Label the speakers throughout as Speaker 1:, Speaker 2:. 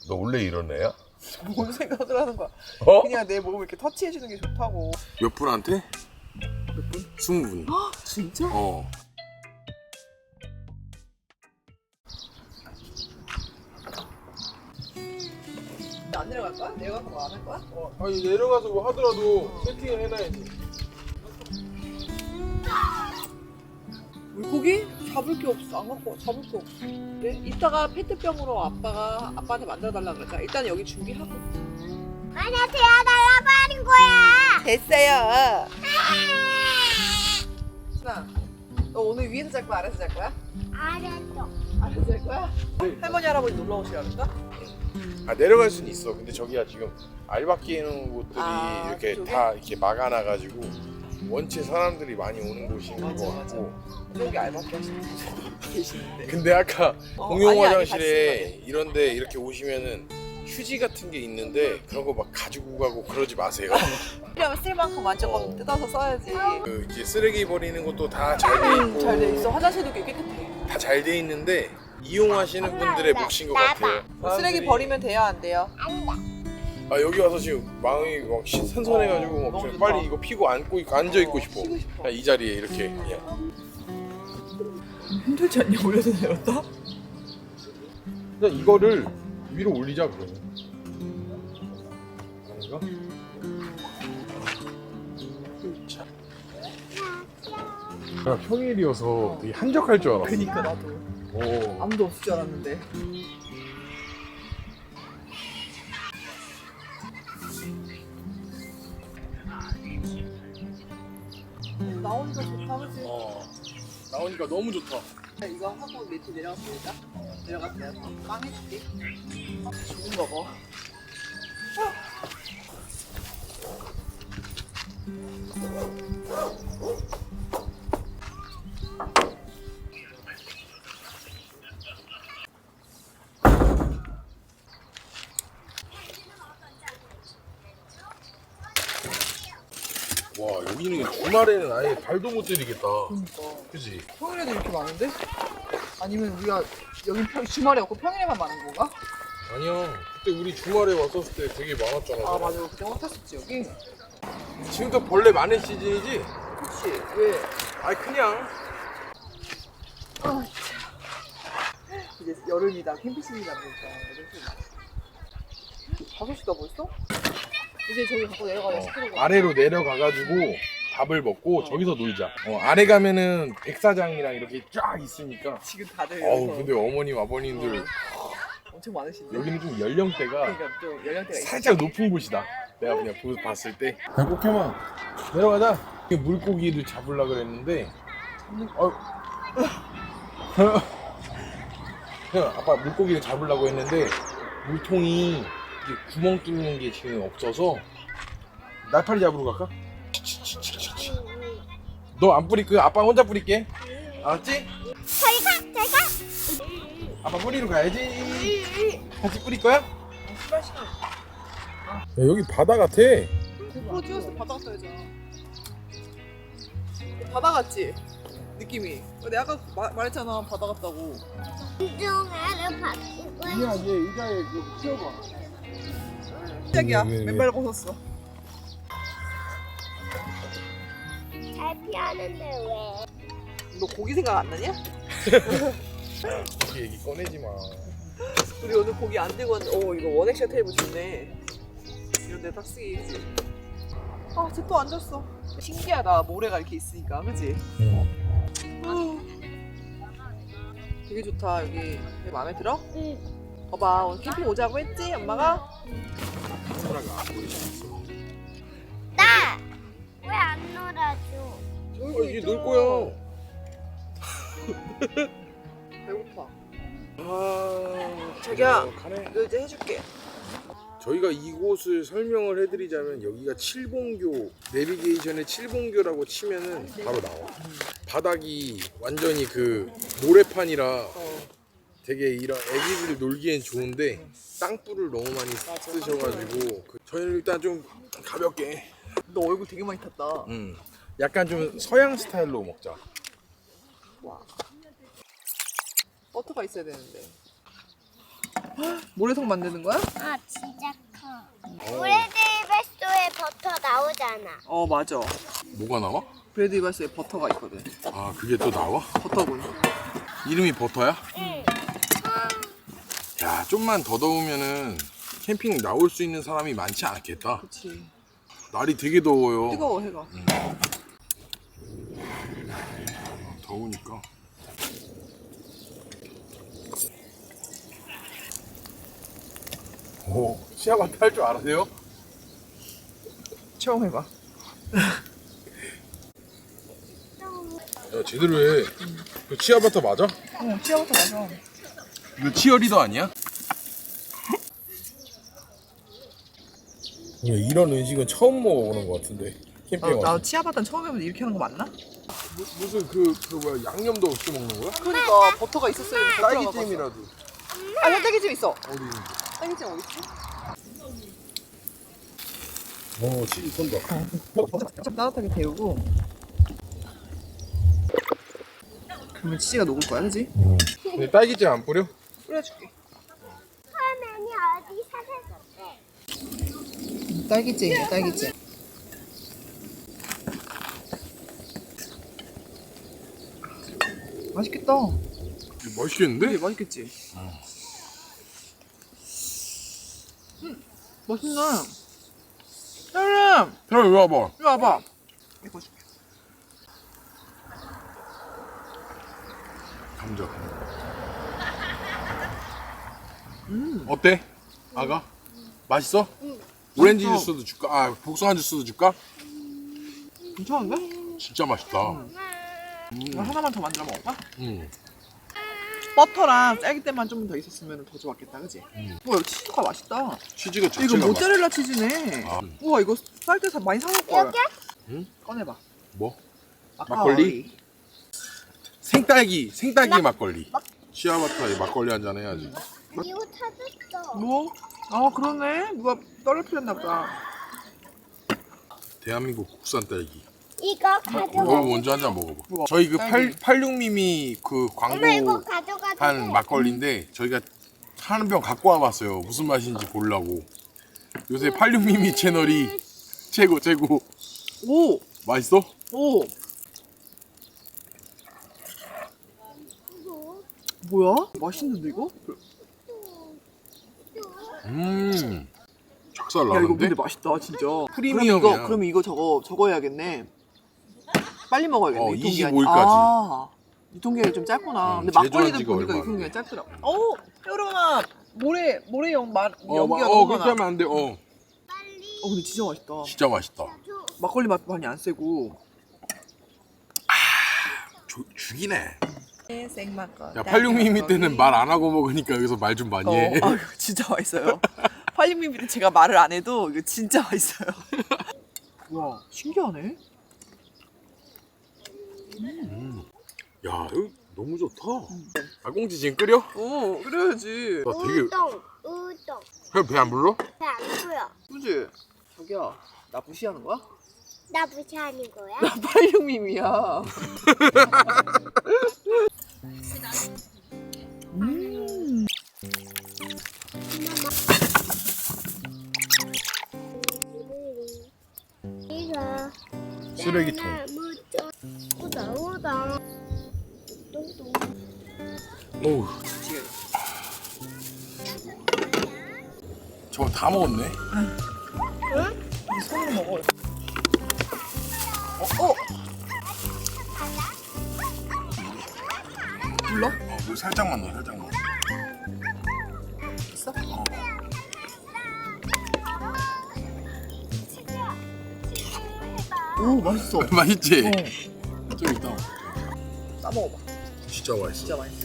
Speaker 1: 너 원래 이런 애야?
Speaker 2: 뭔 생각을 하는 거야?
Speaker 1: 어?
Speaker 2: 그냥 내 몸을 이렇게 터치해주는 게 좋다고.
Speaker 1: 몇 분한테?
Speaker 2: 몇 분?
Speaker 1: 20분.
Speaker 2: 진짜?
Speaker 1: 어.
Speaker 2: 안 내려갈 거야? 내려가서 뭐 안 할 거야?
Speaker 3: 아니 내려가서 뭐 하더라도 세팅을 해놔야지.
Speaker 2: 물고기? 잡을 게 없어. 안 갖고 와. 잡을 게 없어. 그래? 이따가 페트병으로 아빠한테 만들어달라 그러자. 일단 여기 준비하고.
Speaker 4: 아니야, 되어달라고 하는 거야.
Speaker 2: 됐어요. 순아, 너 오늘 위에서 잘 거야? 아래서 잘 거야?
Speaker 4: 알았어.
Speaker 2: 아래서 잘 거야? 할머니 할아버지 놀러 오시라 그럴까?
Speaker 3: 아 내려갈 수는 있어. 근데 저기가 지금 알바끼 해놓은 곳들이
Speaker 2: 아,
Speaker 3: 이렇게
Speaker 2: 그쪽에?
Speaker 3: 다 이렇게 막아놔가지고 원체 사람들이 많이 오는 곳인 것
Speaker 2: 맞아,
Speaker 3: 같고.
Speaker 2: 여기 알바끼 하시는 분 계시는데.
Speaker 3: 근데 아까 공용
Speaker 2: 아니,
Speaker 3: 화장실에 이런데 이렇게 오시면은 휴지 같은 게 있는데 그런 거 막 가지고 가고 그러지 마세요.
Speaker 2: 필요하면 쓸 만큼 완전 뜯어서 써야지.
Speaker 3: 그 이제 쓰레기 버리는 것도 다 잘 돼 있고
Speaker 2: 잘 돼 있어. 화장실도 꽤 깨끗해.
Speaker 3: 다 잘 돼 있는데 이용하시는 분들의 몫인 것 같아요.
Speaker 2: 쓰레기 버리면 돼요, 안 돼요?
Speaker 3: 아 여기 와서 지금 마음이 막 선선해가지고 막
Speaker 2: 너무
Speaker 3: 좀
Speaker 2: 좋다.
Speaker 3: 빨리 이거 피고 앉고 앉아 있고 싶어.
Speaker 2: 쉬고 싶어.
Speaker 3: 그냥 이 자리에 이렇게 그냥.
Speaker 2: 힘들지 않냐? 올려서 내렸다?
Speaker 3: 그냥 이거를 위로 올리자 그러면. 아닌가? 자. 야, 평일이어서 되게 한적할 줄 알았어.
Speaker 2: 그니까 나도.
Speaker 3: 오.
Speaker 2: 아무도 없을 줄 알았는데. 나오니까 좋다, 그치?
Speaker 3: 나오니까 너무 좋다.
Speaker 2: 이거 하고 밑에 내려갔으니까 내려가서 내가 빵 해줄게. 좋은 거 봐.
Speaker 3: 와 여기는 주말에는 아예 발도 못 들이겠다.
Speaker 2: 그니까.
Speaker 3: 그지?
Speaker 2: 평일에도 이렇게 많은데? 아니면 우리가 여기 주말에 없고 평일에만 많은 건가?
Speaker 3: 아니야. 그때 우리 주말에 왔었을 때 되게 많았잖아.
Speaker 2: 아 맞아, 그때 확 탔었지 여기.
Speaker 3: 지금도 벌레 많은 시즌이지?
Speaker 2: 그치? 왜?
Speaker 3: 아니 그냥.
Speaker 2: 아 진짜. 이제 여름이다, 캠핑 시즌이다 보니까 여름 5시다 벌써? 이제 저기 갖고 내려가야 시끄러워.
Speaker 3: 아래로 내려가가지고 밥을 먹고 저기서 놀자. 아래 가면은 백사장이랑 이렇게 쫙 있으니까.
Speaker 2: 지금 다들
Speaker 3: 어우
Speaker 2: 여기서
Speaker 3: 근데 어머님 아버님들
Speaker 2: 엄청 많으신데.
Speaker 3: 여기는 좀 연령대가
Speaker 2: 그러니까 또 연령대가 있어.
Speaker 3: 살짝 높은 곳이다. 내가 그냥 봤을 때. 꼭해만 내려가자. 물고기를 잡으려 그랬는데. 그냥 아빠 물고기를 잡으려고 했는데 물통이 이게 구멍 뚫는 게 지금 없어서 날파리 잡으러 갈까? 너 안 뿌릴 거야? 아빠 혼자 뿌릴게. 알았지?
Speaker 4: 저희가
Speaker 3: 아빠 뿌리러 가야지. 같이 뿌릴 거야?
Speaker 2: 출발 시간.
Speaker 3: 야, 여기 바다 같아.
Speaker 2: 고프로 찍었을 때 바다 같다 했잖아. 바다 같지? 느낌이. 내가 아까 말했잖아, 바다 같다고.
Speaker 4: 운동화를 바꾸고
Speaker 3: 얘 의자에 여기 키워봐.
Speaker 2: 시작이야.
Speaker 3: 왜?
Speaker 2: 맨발 벗었어.
Speaker 4: 잘 피하는데 왜?
Speaker 2: 너 고기 생각 안 나냐?
Speaker 3: 여기 얘기 꺼내지 마.
Speaker 2: 우리 오늘 고기 안 들고 왔는데, 이거 원액션 테이블 좋네. 이런 데 딱 쓰기지. 아, 쟤 또 앉았어. 신기하다, 모래가 이렇게 있으니까, 그치? 되게 좋다, 여기. 되게 마음에 들어?
Speaker 4: 응.
Speaker 2: 봐봐, 오늘 캠핑 오자고 했지, 엄마가?
Speaker 3: 카메라가 안 보이잖아.
Speaker 4: 나! 왜 안 놀아줘?
Speaker 3: 이게 놀 거야.
Speaker 2: 배고파.
Speaker 3: 아,
Speaker 2: 자기야,
Speaker 3: 가네.
Speaker 2: 이거 이제 해줄게.
Speaker 3: 저희가 이곳을 설명을 해드리자면 여기가 칠봉교, 내비게이션에 칠봉교라고 치면은 바로 나와. 바닥이 완전히 그 모래판이라 되게 이런 애기들 놀기엔 좋은데 땅불을 너무 많이 쓰셔가지고 저희는 일단 좀 가볍게
Speaker 2: 너 얼굴 되게 많이 탔다.
Speaker 3: 약간 좀 서양 스타일로 먹자.
Speaker 2: 와. 버터가 있어야 되는데. 모래성 만드는 거야?
Speaker 4: 아 진짜 커. 브레드베스토에 버터 나오잖아.
Speaker 2: 어 맞아.
Speaker 3: 뭐가 나와?
Speaker 2: 브레드 이발소에 버터가 있거든.
Speaker 3: 아 그게 또 나와?
Speaker 2: 버터군.
Speaker 3: 이름이 버터야?
Speaker 4: 응.
Speaker 3: 야 좀만 더 더우면은 캠핑 나올 수 있는 사람이 많지 않겠다.
Speaker 2: 그치.
Speaker 3: 날이 되게 더워요.
Speaker 2: 뜨거워 해가.
Speaker 3: 더우니까. 오, 시아바타 할 줄 아세요?
Speaker 2: 처음 해봐.
Speaker 3: 야 제대로 해. 그 치아바타 맞아?
Speaker 2: 치아부터 맞아.
Speaker 3: 이거 치어리더 아니야? 이런 음식은 처음 먹어보는 것 같은데 캠핑 와서.
Speaker 2: 나 치아바타는 처음 해보는데 이렇게 하는 거 맞나?
Speaker 3: 무슨 그 뭐야 양념도 없이 먹는 거야?
Speaker 2: 그러니까 버터가 있었어야 돼.
Speaker 3: 딸기잼이라도.
Speaker 2: 아, 형 딸기잼 있어.
Speaker 3: 어디 있는데?
Speaker 2: 딸기잼 어디 있지?
Speaker 3: 오 치즈 쏜다.
Speaker 2: 좀 따뜻하게 데우고. 그러면 치즈가 녹을 거야, 그지?
Speaker 3: 근데 딸기잼 안 뿌려?
Speaker 2: 뿌려줄게.
Speaker 4: 화면이 어디 사셨어?
Speaker 2: 딸기잼이야, 딸기잼. 맛있겠다.
Speaker 3: 이거 맛있겠는데?
Speaker 2: 그래, 맛있겠지? 맛있네. 혜림,
Speaker 3: 그럼 이리 와봐.
Speaker 2: 이리 와봐. 이거 줄게.
Speaker 3: 감자. 어때? 아가? 맛있어? 오렌지
Speaker 2: 맛있어.
Speaker 3: 주스도 줄까? 아 복숭아 주스도 줄까?
Speaker 2: 괜찮은데?
Speaker 3: 진짜 맛있다.
Speaker 2: 이거 하나만 더 만들어 먹을까?
Speaker 3: 음.
Speaker 2: 버터랑 딸기잼만 좀 더 있었으면 더 좋았겠다, 그지? 우와, 이거 치즈가 맛있다.
Speaker 3: 치즈가
Speaker 2: 이거
Speaker 3: 자체가
Speaker 2: 모짜렐라 치즈네.
Speaker 3: 아.
Speaker 2: 우와, 이거 쌀 때 많이 사올 거야.
Speaker 4: 여기?
Speaker 3: 응?
Speaker 2: 꺼내봐.
Speaker 3: 뭐?
Speaker 2: 막걸리?
Speaker 3: 생딸기 막걸리. 시아바타에 막걸리 한잔 해야지.
Speaker 4: 이거 찾았어.
Speaker 2: 뭐? 아, 그러네. 누가 떨어뜨렸나 보다.
Speaker 3: 대한민국 국산 딸기.
Speaker 4: 이거
Speaker 3: 너
Speaker 4: 가져가.
Speaker 3: 먼저 한 잔 먹어봐.
Speaker 2: 우와,
Speaker 3: 저희 그
Speaker 2: 딸기.
Speaker 3: 86미미 그
Speaker 4: 엄마 이거
Speaker 3: 광고
Speaker 4: 가져가도
Speaker 3: 한
Speaker 4: 돼?
Speaker 3: 막걸리인데 저희가 한 병 갖고 와봤어요. 무슨 맛인지 보려고. 요새 86미미 채널이 최고.
Speaker 2: 오!
Speaker 3: 맛있어?
Speaker 2: 오! 뭐야? 맛있는데, 이거?
Speaker 3: 찹쌀
Speaker 2: 야, 이거
Speaker 3: 나는데?
Speaker 2: 근데 맛있다, 진짜.
Speaker 3: 프리미엄이야.
Speaker 2: 그럼 이거 저거 해야겠네. 빨리 먹어야겠네.
Speaker 3: 어,
Speaker 2: 유통기한이.
Speaker 3: 25일 까지.
Speaker 2: 아, 유통기한이 좀 짧구나. 근데
Speaker 3: 제조한
Speaker 2: 막걸리도
Speaker 3: 지가
Speaker 2: 보니까
Speaker 3: 얼마 안
Speaker 2: 유통기한이 짧더라. 여러분아, 모래 연기가
Speaker 3: 그렇게
Speaker 2: 너무 많아.
Speaker 3: 하면 안 돼.
Speaker 2: 근데 진짜 맛있다.
Speaker 3: 진짜 맛있다.
Speaker 2: 막걸리 맛 많이 안 세고.
Speaker 3: 죽이네.
Speaker 2: 생막걸리.
Speaker 3: 야 86미미 때는 말 안 하고 먹으니까 여기서 말 좀 많이 해.
Speaker 2: 아유, 진짜 맛있어요. 86mm 때 제가 말을 안 해도 이거 진짜 맛있어요. 와, 신기하네.
Speaker 3: 야 이거 너무 좋다. 꽁지 지금 끓여?
Speaker 2: 그래야지.
Speaker 3: 나 되게
Speaker 4: 우동.
Speaker 3: 배 안 불러?
Speaker 4: 배 안 보여.
Speaker 2: 그지? 자기야, 나 무시하는 거야?
Speaker 4: 나 무시하는 거야?
Speaker 2: 나 86mm야.
Speaker 4: 이거
Speaker 3: 쓰레기통.
Speaker 4: 오다.
Speaker 3: 어우 저거 다 먹었네.
Speaker 2: 손으로 먹어. 불러?
Speaker 3: 물 살짝만 넣어 살짝만.
Speaker 2: 있어? 오, 맛있어.
Speaker 3: 맛있지?
Speaker 2: 어.
Speaker 3: 좀 이따.
Speaker 2: 싸 먹어봐.
Speaker 3: 진짜 맛있어.
Speaker 2: 진짜 맛있어.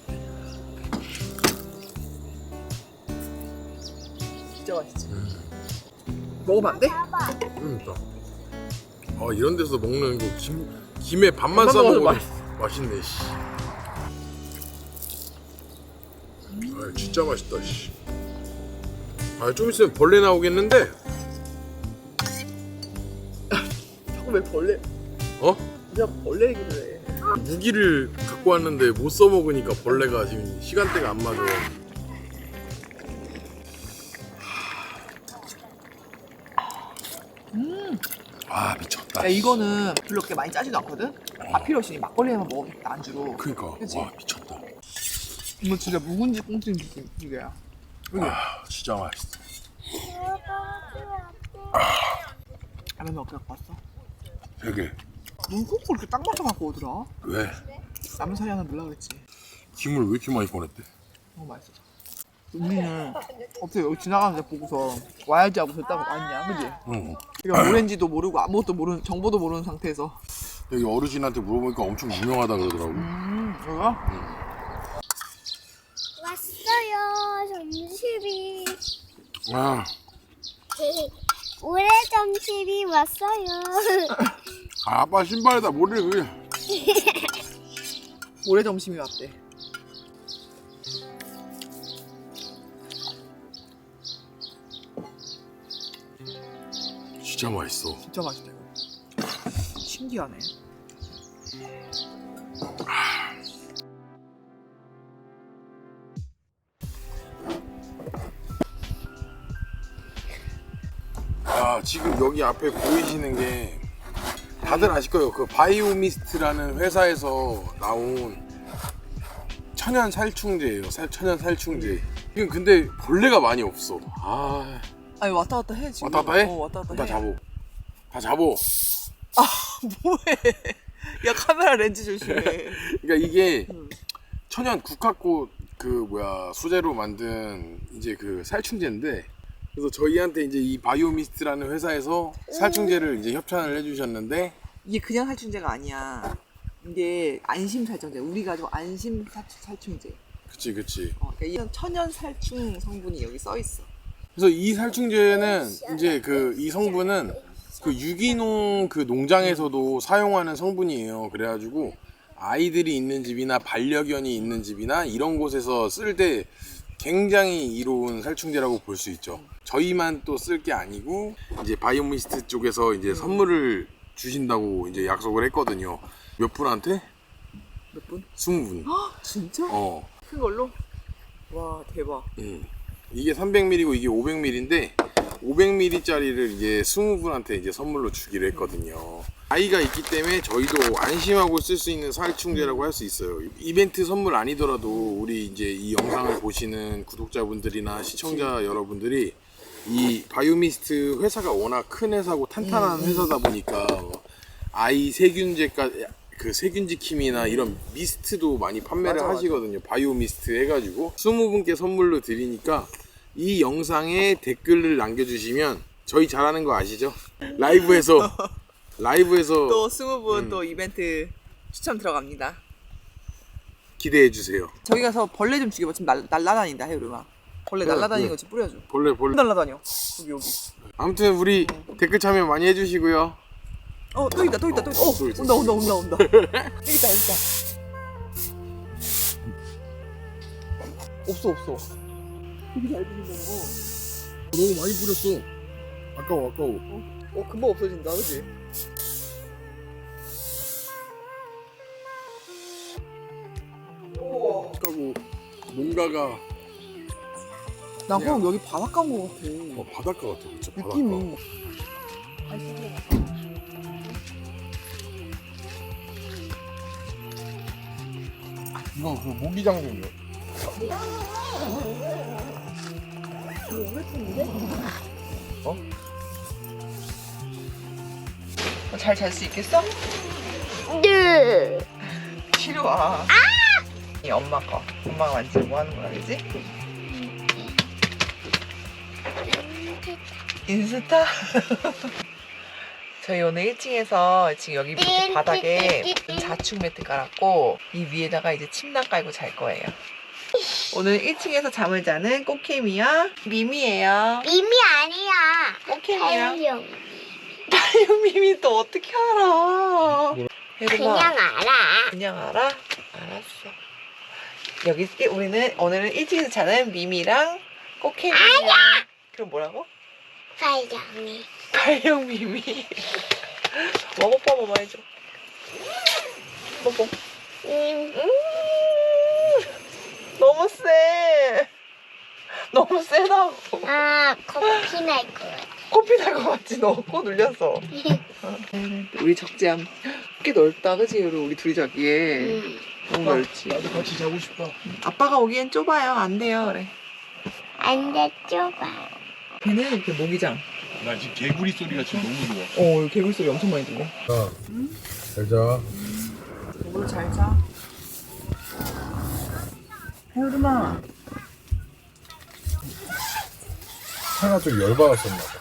Speaker 2: 진짜 맛있지. 먹으면 안 돼?
Speaker 3: 이따. 아 이런 데서 먹는 거 김에 밥만 싸
Speaker 2: 먹어도
Speaker 3: 먹어도 맛있네. 씨. 아 진짜 맛있다. 씨. 아좀 있으면 벌레 나오겠는데?
Speaker 2: 자꾸 왜 벌레?
Speaker 3: 어?
Speaker 2: 그냥 벌레 얘기를 해.
Speaker 3: 무기를 갖고 왔는데 못 써먹으니까 벌레가 지금 시간대가 안 맞아. 아 미쳤다.
Speaker 2: 야 이거는 별로 그렇게 많이 짜지도 않거든? 밥 필요 없이 막걸리에만 먹으겠다 안주로.
Speaker 3: 그러니까
Speaker 2: 그치?
Speaker 3: 와 미쳤다.
Speaker 2: 이거 진짜 묵은지 꽁치 이게야.
Speaker 3: 아 진짜 맛있어.
Speaker 2: 라면 몇 개 갖고 왔어?
Speaker 3: 되게
Speaker 2: 넌 꼭 그렇게 딱 맞춰 갖고 오더라.
Speaker 3: 왜?
Speaker 2: 라면 사리 하나 넣으려고 그랬지.
Speaker 3: 김을 왜 이렇게 많이 꺼냈대?
Speaker 2: 너무 맛있어. 우리는 어떻게 여기 지나가는데 보고서 와야지 하고서 딱 왔냐, 그지?
Speaker 3: 응.
Speaker 2: 그러니까 뭐랜지도 모르고 아무것도 모르는 정보도 모르는 상태에서.
Speaker 3: 여기 어르신한테 물어보니까 엄청 유명하다 그러더라고.
Speaker 2: 뭐야?
Speaker 4: 왔어요, 점심이.
Speaker 3: 아,
Speaker 4: 올해 점심이 왔어요.
Speaker 3: 아빠 신발에다 모래를 그냥.
Speaker 2: 모래 점심이 왔대.
Speaker 3: 진짜 맛있어.
Speaker 2: 진짜 맛있다 이거. 신기하네.
Speaker 3: 아 지금 여기 앞에 보이시는 게 다들 아실 거예요. 그 바이오미스트라는 회사에서 나온 천연 살충제예요. 천연 살충제. 지금 근데 벌레가 많이 없어. 아
Speaker 2: 아니 왔다 갔다 해 지금.
Speaker 3: 왔다 갔다 해?
Speaker 2: 왔다 갔다
Speaker 3: 다
Speaker 2: 해.
Speaker 3: 잡어. 다 잡어.
Speaker 2: 뭐해? 야 카메라 렌즈 조심해.
Speaker 3: 그러니까 이게 천연 국화꽃 그 뭐야 수제로 만든 이제 그 살충제인데, 그래서 저희한테 이제 이 바이오미스트라는 회사에서 살충제를 이제 협찬을 해주셨는데,
Speaker 2: 이게 그냥 살충제가 아니야. 이게 안심 살충제. 우리 가족 안심 살충제.
Speaker 3: 그치.
Speaker 2: 그러니까 이런 천연 살충 성분이 여기 써 있어.
Speaker 3: 그래서 이 살충제는 이제 그 이 성분은 그 유기농 그 농장에서도 사용하는 성분이에요. 그래가지고 아이들이 있는 집이나 반려견이 있는 집이나 이런 곳에서 쓸 때 굉장히 이로운 살충제라고 볼 수 있죠. 저희만 또 쓸 게 아니고 이제 바이오미스트 쪽에서 이제 선물을 주신다고 이제 약속을 했거든요. 몇 분한테?
Speaker 2: 몇 분?
Speaker 3: 20분.
Speaker 2: 진짜?
Speaker 3: 어.
Speaker 2: 큰 걸로? 와 대박.
Speaker 3: 이게 300ml고 이게 500ml인데 500ml짜리를 이제 20분한테 이제 선물로 주기로 했거든요. 아이가 있기 때문에 저희도 안심하고 쓸 수 있는 살충제라고 할 수 있어요. 이벤트 선물 아니더라도 우리 이제 이 영상을 보시는 구독자분들이나 시청자 여러분들이 이 바이오미스트 회사가 워낙 큰 회사고 탄탄한 회사다 보니까 아이 세균제까지 그 세균지킴이나 이런 미스트도 많이 판매를
Speaker 2: 맞아.
Speaker 3: 하시거든요. 바이오미스트 해가지고 20분께 선물로 드리니까 이 영상에 댓글을 남겨주시면 저희 잘하는 거 아시죠? 라이브에서
Speaker 2: 또 20분 또 이벤트 추첨 들어갑니다.
Speaker 3: 기대해 주세요.
Speaker 2: 저기 가서 벌레 좀 죽여봐. 지금 날라다닌다 해우르마. 벌레
Speaker 3: 그래,
Speaker 2: 날라다니는
Speaker 3: 그래.
Speaker 2: 거 좀 뿌려줘.
Speaker 3: 벌레
Speaker 2: 날라다녀. 여기.
Speaker 3: 아무튼 우리 댓글 참여 많이 해주시고요.
Speaker 2: 또 있다.
Speaker 3: 또 있어.
Speaker 2: 온다. 여기 있다. 없어. 되게 잘 뿌린다고.
Speaker 3: 너무 많이 뿌렸어. 아까워.
Speaker 2: 금방 없어진다, 그치?
Speaker 3: 아까고 뭔가가
Speaker 2: 나 그럼 여기 바닷가 온 것 같아.
Speaker 3: 바닷가 같아. 진짜 바닷가.
Speaker 2: 느낌이.
Speaker 3: 이거 그 모기장군이요.
Speaker 2: 잘 잘 수 있겠어?
Speaker 4: 네.
Speaker 2: 치료 와. 이 엄마 거. 엄마가 만지면 뭐 하는 거야, 그지? 인스타? 저희 오늘 1층에서 지금 여기 밑에 바닥에 자충 매트 깔았고 이 위에다가 이제 침낭 깔고 잘 거예요. 오늘 1층에서 잠을 자는 꼬케미와 미미예요.
Speaker 4: 미미 아니야.
Speaker 2: 꼬케미랑
Speaker 4: 달룡.
Speaker 2: 미미 또 어떻게 알아?
Speaker 4: 그냥 알아.
Speaker 2: 그냥 알아? 알았어. 여기 우리는 오늘은 1층에서 자는 미미랑 꼬케미랑 그럼 뭐라고?
Speaker 4: 달룡이.
Speaker 2: 달룡 미미. 뽀뽀 해줘. 뽀뽀. 너무 세. 너무 세다고.
Speaker 4: 아, 커피 날 것 같아.
Speaker 2: 코피 날 것 같지? 너 코 눌렸어. 우리 적재함 꽤 넓다, 그치? 우리 둘이 자기에. 너무 넓지.
Speaker 3: 나도 같이 자고 싶다.
Speaker 2: 아빠가 오기엔 좁아요. 안 돼요, 그래.
Speaker 4: 안돼 좁아.
Speaker 2: 걔는 이렇게 모기장.
Speaker 3: 나 지금 개구리 소리가 지금 너무 좋아.
Speaker 2: 개굴 소리 엄청 많이 들려.
Speaker 3: 잘 자.
Speaker 2: 오늘 잘 자. 혜율아.
Speaker 3: 차가 좀 열받았었나 봐.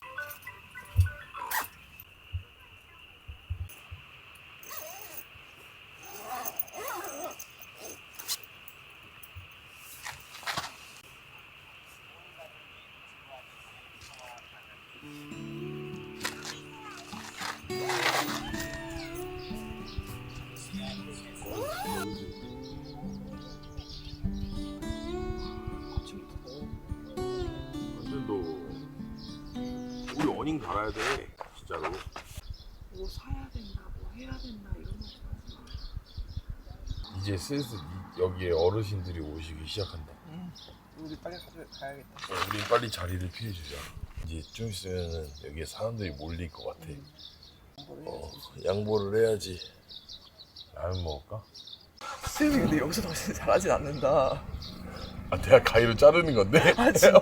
Speaker 3: 완전 너 우리 어닝 달아야 돼 진짜로.
Speaker 2: 뭐 사야 된다, 뭐 해야 된다 이런 거.
Speaker 3: 이제 슬슬 여기에 어르신들이 오시기 시작한다.
Speaker 2: 우리 빨리 가야겠다.
Speaker 3: 우리 빨리 자리를 피해주자. 이제 좀 있으면은 여기에 사람들이 몰릴 것 같아. 양보를 해야지. 라면 먹을까?
Speaker 2: 수영이 근데 여기서 더 잘하진 않는다.
Speaker 3: 아, 내가 가위로 자르는 건데?
Speaker 2: 아 진짜?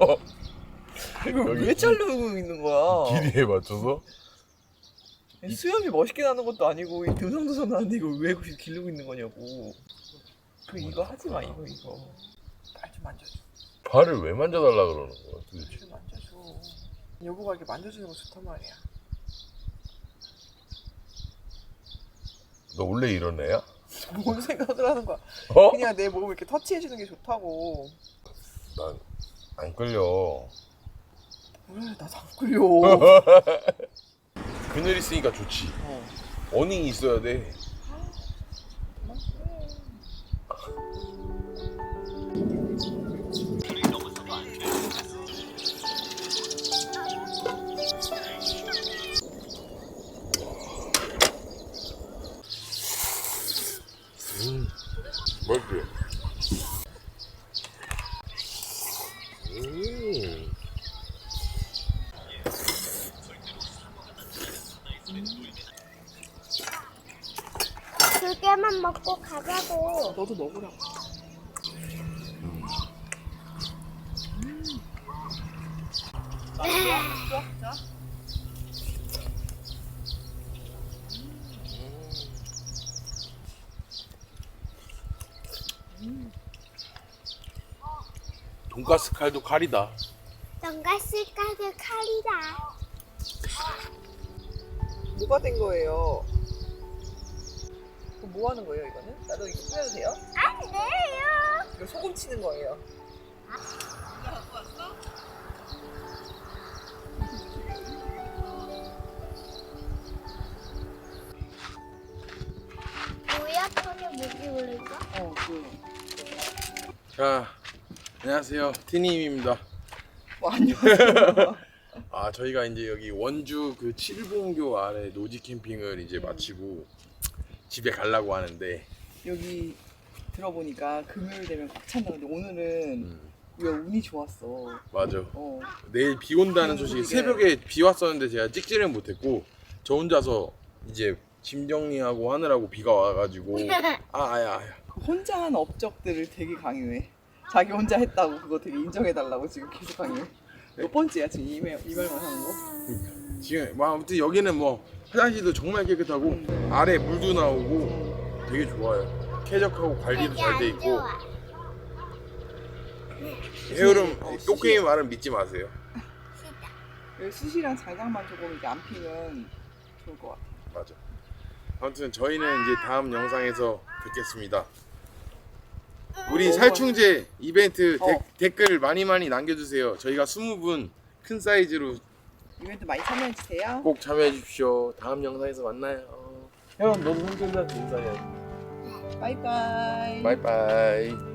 Speaker 2: 이걸
Speaker 3: 여기
Speaker 2: 왜 자르고 있는 거야?
Speaker 3: 길이에 맞춰서?
Speaker 2: 수염이 멋있게 나는 것도 아니고 이 듬성듬성 나는데 이걸 왜 기르고 있는 거냐고. 이거 하지 마, 이거. 발 좀 만져줘.
Speaker 3: 발을 왜 만져달라 그러는 거야 도대체?
Speaker 2: 좀 만져줘. 여보가 이렇게 만져주는 거 좋단 말이야.
Speaker 3: 너 원래 이런 애야?
Speaker 2: 뭔 생각을 하는 거야?
Speaker 3: 어?
Speaker 2: 그냥 내 몸을 이렇게 터치해주는 게 좋다고.
Speaker 3: 난 안 끌려.
Speaker 2: 왜 나도 안 끌려.
Speaker 3: 그늘 있으니까 좋지. 어닝이 있어야 돼. 맛있지?
Speaker 4: 두 개만 먹고 가자고.
Speaker 2: 너도 먹으라고.
Speaker 3: 돈가스 칼도 칼이다.
Speaker 4: 돈가스 가게 칼이다.
Speaker 2: 뭐가 된 거예요? 그럼 뭐 하는 거예요, 이거는? 나도 이거 뿌려도 돼요?
Speaker 4: 안 돼요.
Speaker 2: 이거 소금 치는 거예요.
Speaker 4: 뭐야 폰에 무기 올릴까?
Speaker 3: 자, 안녕하세요. 티님입니다.
Speaker 2: 뭐 안녕하세요.
Speaker 3: 아, 저희가 이제 여기 원주 그 칠봉교 아래 노지 캠핑을 이제 마치고 집에 가려고 하는데
Speaker 2: 여기 들어보니까 금요일 되면 꽉 찬다는데 오늘은 우리가 운이 좋았어.
Speaker 3: 맞아.
Speaker 2: 어.
Speaker 3: 내일 비 온다는 소식이 새벽에 비 왔었는데 제가 찍지는 못했고 저 혼자서 이제 짐 정리하고 하느라고 비가 와가지고 아야
Speaker 2: 혼자 한 업적들을 되게 강요해. 자기 혼자 했다고 그거 되게 인정해달라고 지금 계속 강요해. 몇 번째야 지금 이 말만 하는 거?
Speaker 3: 지금 뭐 아무튼 여기는 뭐 화장실도 정말 깨끗하고 아래 물도 나오고 되게 좋아요. 쾌적하고 관리도 잘 돼 있고. 해오름 꽃게임 말은 믿지 마세요.
Speaker 2: 여기 숯이랑 장작만 조금 이렇게 안 피면 좋을 것 같아.
Speaker 3: 맞아. 아무튼 저희는 이제 다음 영상에서 뵙겠습니다. 우리 살충제 이벤트 댓글 많이 남겨주세요. 저희가 20분 큰 사이즈로
Speaker 2: 이벤트 많이 참여해주세요.
Speaker 3: 꼭 참여해 주십시오. 다음 영상에서 만나요. 형, 너도 손전자 인사해.
Speaker 2: 바이바이.
Speaker 3: 바이바이.